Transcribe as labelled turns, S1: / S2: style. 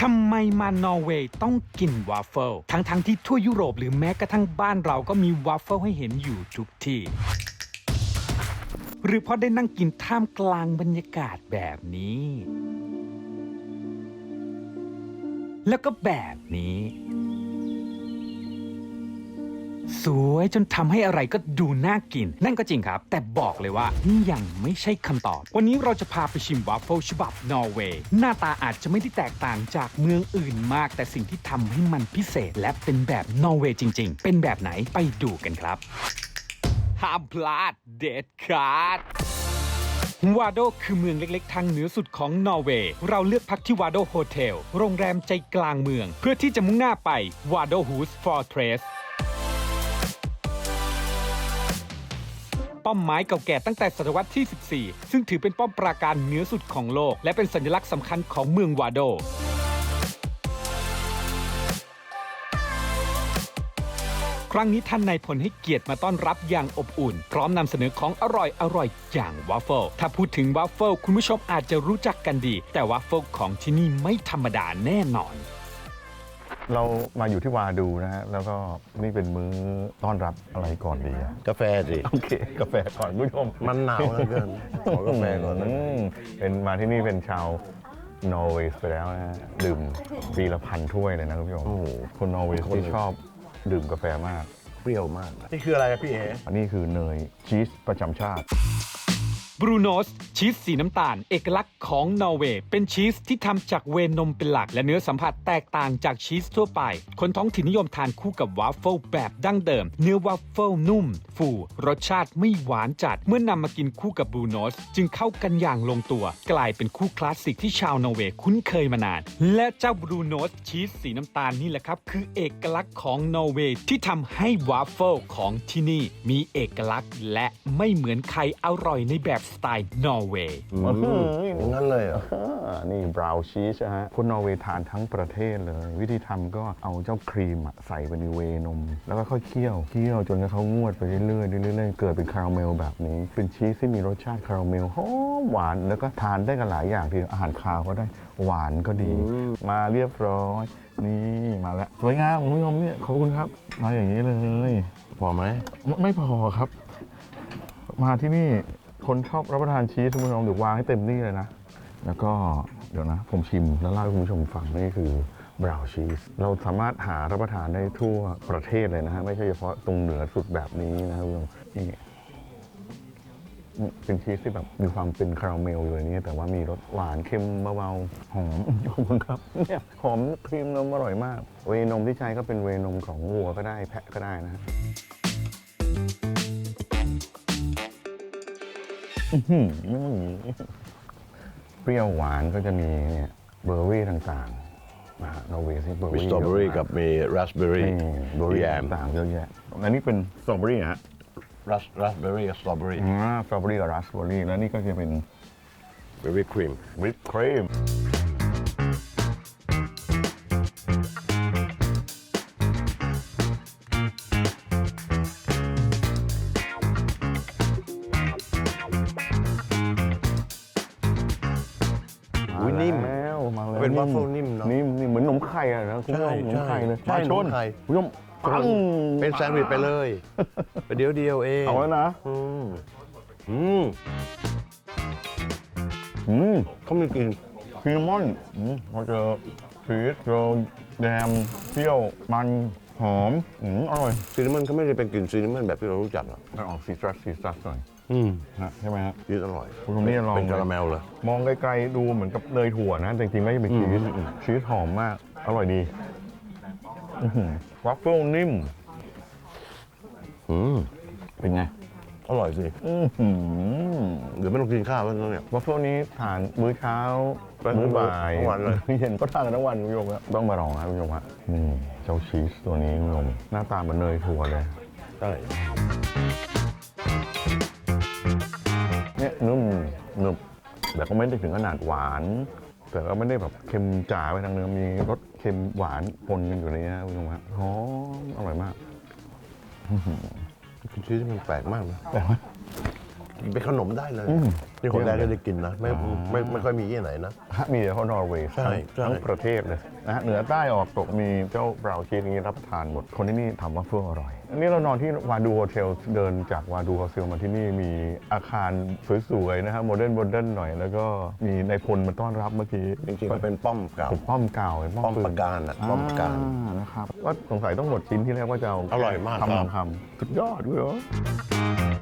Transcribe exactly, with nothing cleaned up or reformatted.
S1: ทำไมมานอร์เวย์ต้องกินวาฟเฟิลทั้งๆ ท, ที่ทั่วยุโรปหรือแม้กระทั่งบ้านเราก็มีวาฟเฟิลให้เห็นอยู่ทุกที่หรือเพราะได้นั่งกินท่ามกลางบรรยากาศแบบนี้แล้วก็แบบนี้สวยจนทำให้อะไรก็ดูน่ากินนั่นก็จริงครับแต่บอกเลยว่านี่ยังไม่ใช่คำตอบวันนี้เราจะพาไปชิมวาฟเฟิลฉบับนอร์เวย์หน้าตาอาจจะไม่ได้แตกต่างจากเมืองอื่นมากแต่สิ่งที่ทำให้มันพิเศษและเป็นแบบนอร์เวย์จริงๆเป็นแบบไหนไปดูกันครับห้ามพลาดเด็ดขาดวาโดคือเมืองเล็กๆทางเหนือสุดของนอร์เวย์เราเลือกพักที่วาโดโฮเทลโรงแรมใจกลางเมืองเพื่อที่จะมุ่งหน้าไปวาโดฮูสฟอร์เทรสป้อมไม้เก่าแก่ตั้งแต่ศตวรรษที่ สิบสี่ ซึ่งถือเป็นป้อมปราการเหนือสุดของโลกและเป็นสัญลักษณ์สำคัญของเมืองวาโดครั้งนี้ท่านนายพลให้เกียรติมาต้อนรับอย่างอบอุ่นพร้อมนำเสนอของอร่อยอร่อยอย่างวาฟเฟิลถ้าพูดถึงวาฟเฟิลคุณผู้ชมอาจจะรู้จักกันดีแต่วาฟเฟิลของที่นี่ไม่ธรรมดาแน่นอน
S2: เรามาอยู่ที่วาดูนะฮะแล้วก็นี่เป็นมื้อต้อนรับอะไรก่อนดีอะ
S3: กาแฟสิ
S2: โอเคกาแฟก่อนผู้ชม
S3: มันหนาวเหลือเกินขอกาแฟก่อนนะ
S2: เป็นมาที่นี่เป็นชาวนอร์เวย์ไปแล้วนะดื่มปีละพันถ้วยเลยนะคุณผู้ชมคนนอร์เวย์ที่ชอบดื่มกาแฟมาก
S3: เปรี้ยวมากนี่คืออะไรพี่เอ๋
S2: อันนี้คือเนยชีสประจำชาติ
S1: บรูโนสชีสสีน้ำตาลเอกลักษณ์ของนอร์เวย์เป็นชีสที่ทำจากเวนมเป็นหลักและเนื้อสัมผัสแตกต่างจากชีสทั่วไปคนท้องถิ่นนิยมทานคู่กับวาฟเฟิลแบบดั้งเดิมเนื้อวาฟเฟิลนุ่มฟูรสชาติไม่หวานจัดเมื่อนำมากินคู่กับบรูโนสจึงเข้ากันอย่างลงตัวกลายเป็นคู่คลาสสิกที่ชาวนอร์เวย์คุ้นเคยมานานและเจ้าบรูโนสชีสสีน้ำตาลนี่แหละครับคือเอกลักษณ์ของนอร์เวย์ที่ทำให้วาฟเฟิลของที่นี่มีเอกลักษณ์และไม่เหมือนใครอร่อยในแบบสไตล์นอร์เวย์
S3: งั้นเลยเหรอ
S2: นี่บราวน์ชีสฮะคนนอร์เวย์ทานทั้งประเทศเลยวิธีทำก็เอาเจ้าครีมใส่ไปในเวนมแล้วก็ค่อยเคี่ยวเคี่ยวจนเขางวดไปเรื่อยๆเรื่อยๆเกิดเป็นคาราเมลแบบนี้เป็นชีสที่มีรสชาติคาราเมลหอมหวานแล้วก็ทานได้กันหลายอย่างทีอาหารคาวก็ได้หวานก็ดีมาเรียบร้อยนี่มาแล้วสวยงามคุณผู้ชมเนี่ยขอบคุณครับมาอย่างนี้เลย
S3: พอไหม
S2: ไม่พอครับมาที่นี่คนชอบรับประทานชีสคุณผู้ชมเดี๋ยววางให้เต็มนี่เลยนะแล้วก็เดี๋ยวนะผมชิมแล้วเล่าให้คุณผู้ชมฟังนี่คือบราวน์ชีสเราสามารถหารับประทานได้ทั่วประเทศเลยนะฮะไม่ใช่เฉพาะตรงเหนือสุดแบบนี้นะครับนี่เป็นชีสที่แบบมีความเป็นคาราเมลอยู่ในนี้แต่ว่ามีรสหวานเค็มเบาๆหอมขอบคุณครับเนี่ยหอมครีมนมอร่อยมากเวนมที่ใช้ก็เป็นเวนมของวัวก็ได้แพะก็ได้นะเปรี้ยวหวานก็จะมีเนี่ยเบอร์รี่ต่างๆนะฮะนอร์เวย์ที่เบอร์
S3: มี
S2: รี่
S3: สตรอเบอรี่กับมีราสเบอรี่
S2: เบอร์รี่ต่างๆเยอะแยะอันนี้เป็นสตรอเบอรี่ฮะ
S3: ราสราสเบอรี่กับสตรอเบอรี่
S2: อ่าสตรอเบอรี่กับราสเบอรี่แล้วนี่ก็จะเป็น
S3: วิปครีม
S2: วิปครีม
S3: นิ่มเป็นวัฟเฟิลนิ่มเนาะ
S2: นิ่มนี่เหมือนขนมไข่อะนะคุณผู้ชมขนมไข่เลย
S3: ใช่ขนมไข่
S2: คุณผู้ชมปัง
S3: เป็นแซนด์วิชไปเลยเดียวเดียวเอง
S2: เอาแล้วนะ
S3: อืมอืม
S2: อืม
S3: เขามีกลิ่น
S2: ซีนามอนอืมพอเจอชีสเจอแยมเปรี้ยวมันหอมอืมอร่อย
S3: ซีนามอนเขาไม่ได้เป็นกลิ่นซีนามอนแบบที่เรารู้จักหรอก
S2: มันออกซีตรัสซีตรัสหน่อย
S3: อืม
S2: ฮะใช่ไหมฮะ
S3: ชีสอร่อย
S2: คุณนี่ลอง
S3: เป็นคาราเมลเลย
S2: มองไกลๆดูเหมือนกับเนยถั่วนะแต่จริงๆไม่ใช่เป็นชีสชีสหอมมากอร่อยดีวัฟเฟิลนิ่ม
S3: อืม
S2: เป็นไง
S3: อร่อยสิเดี๋ยวไม่ต้องกินข้าวแล้วเนี่ย
S2: วัฟเฟิลนี้ทานมื้อเช้ามื้อบ่าย
S3: ทั้งวันเลย
S2: เย็นก็ทานกันทั้งวันคุณผู้ชมครับต้องมาลองนะคุณผู้ชมฮะนี่เจ้าชีสตัวนี้คุณผู้ชมหน้าตาเหมือนเนยถั่วเลย
S3: ใช่
S2: เนี่ยนุ่มหนึบแต่ก็ไม่ได้ถึงขนาดหวานแต่ก็ไม่ได้แบบเค็มจ๋าไปทางเนื้อมีรสเค็มหวานปนกันอยู่ในนี้คุณผู้ชมฮะหอมอร่อยมาก
S3: ชีสมันแปลกมากนะ
S2: แปลกไหม
S3: เป็นขนมได้เลย
S2: อืม
S3: นี่คนแรกก็ได้กินนะไม่ไม่ไม่ค่อยมีที่ไหนนะ
S2: ฮะมีเฉพาะนอร์เวย์
S3: ใช่ใช่
S2: ทั้งประเทศเลยนะฮะเหนือใต้ออกตกมีเจ้าบราวน์ชีสนี้รับประทานหมด คนที่นี่ทำวัฟเฟิลอร่อย อันนี้เรานอนที่วาดูโฮเทลเดินจากวาดูโฮเทลมาที่นี่มีอาคารสวยๆนะฮะโมเดิร์นโมเดิร์นหน่อย แล้วก็มีนายพลมาต้อนรับเมื่อกี้
S3: จริงๆมันเป็นป้อมเก่า
S2: เป็นป้อมเก่าเป็น
S3: ป้อม
S2: ปืน
S3: ปราการอะป้อมปราการ
S2: อ่นะครับว่าสงสัยต้องหมดชิ้นที่แรกว่าจะเอา
S3: อร่อยมาก
S2: คำ
S3: ครับ
S2: คำคำสุดยอดเลยเหรอ